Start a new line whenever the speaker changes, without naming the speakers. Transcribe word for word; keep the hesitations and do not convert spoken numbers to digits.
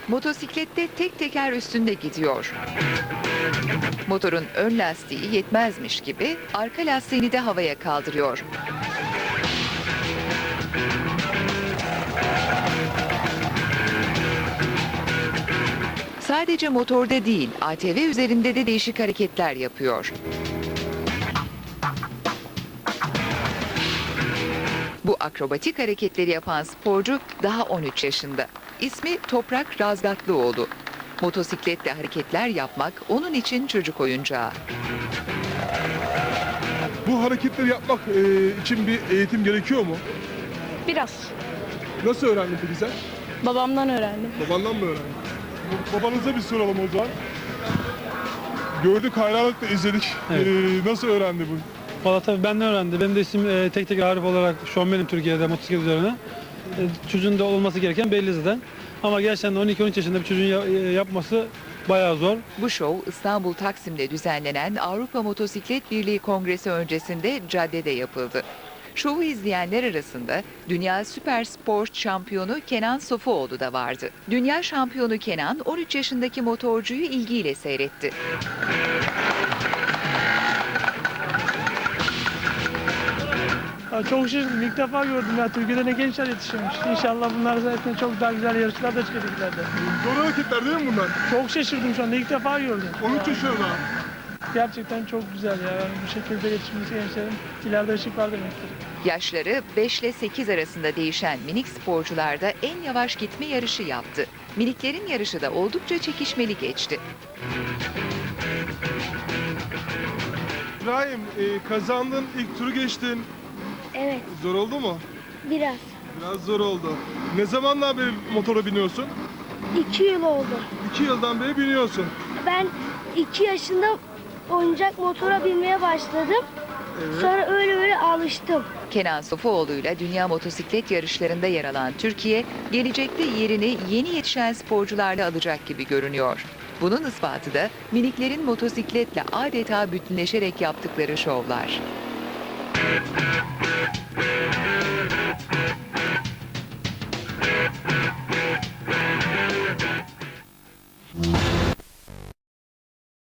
Motosiklette tek teker üstünde gidiyor. Motorun ön lastiği yetmezmiş gibi arka lastiğini de havaya kaldırıyor. Sadece motorda değil, A T V üzerinde de değişik hareketler yapıyor. Bu akrobatik hareketleri yapan sporcu daha on üç yaşında. İsmi Toprak Razgatlıoğlu. Motosikletle hareketler yapmak onun için çocuk oyuncağı.
Bu hareketleri yapmak e, için bir eğitim gerekiyor mu?
Biraz.
Nasıl öğrendin peki sen?
Babamdan öğrendim.
Babandan mı öğrendin? Babanıza bir soralım o zaman. Gördük, hayranlıkla izledik.
Evet.
E, nasıl öğrendi bu?
Valla tabii benden öğrendi. Benim de ismim e, tek tek Arif olarak şovmenim Türkiye'de motosiklet üzerine. E, çocuğun da olması gereken belli zaten. Ama gerçekten on iki on üç yaşında bir çocuğun ya- e, yapması bayağı zor.
Bu şov İstanbul Taksim'de düzenlenen Avrupa Motosiklet Birliği Kongresi öncesinde caddede yapıldı. Şovu izleyenler arasında Dünya Süper Sport şampiyonu Kenan Sofuoğlu da vardı. Dünya şampiyonu Kenan on üç yaşındaki motorcuyu ilgiyle seyretti.
Ya çok şaşırdım. İlk defa gördüm ya. Türkiye'de ne gençler yetişiyormuş. İnşallah bunlar zaten çok daha güzel yarışlar da çıkacak ileride.
Zor hareketler değil mi bunlar?
Çok şaşırdım şu anda. İlk defa gördüm.
on üç yaşında.
Gerçekten çok güzel ya. Yani bu şekilde yetişmesi gençlerin ileride ışık var demektir.
Yaşları beş ile sekiz arasında değişen minik sporcular da en yavaş gitme yarışı yaptı. Miniklerin yarışı da oldukça çekişmeli geçti.
İbrahim, e, kazandın, ilk turu geçtin.
Evet,
Zor oldu mu?
biraz.
Biraz zor oldu. Ne zamandan beri motora biniyorsun?
İki yıl oldu.
İki yıldan beri biniyorsun.
Ben iki yaşında oyuncak motora binmeye başladım.
Evet.
Sonra öyle öyle alıştım.
Kenan Sofuoğlu'yla dünya motosiklet yarışlarında yer alan Türkiye, gelecekte yerini yeni yetişen sporcularla alacak gibi görünüyor. Bunun ispatı da miniklerin motosikletle adeta bütünleşerek yaptıkları şovlar.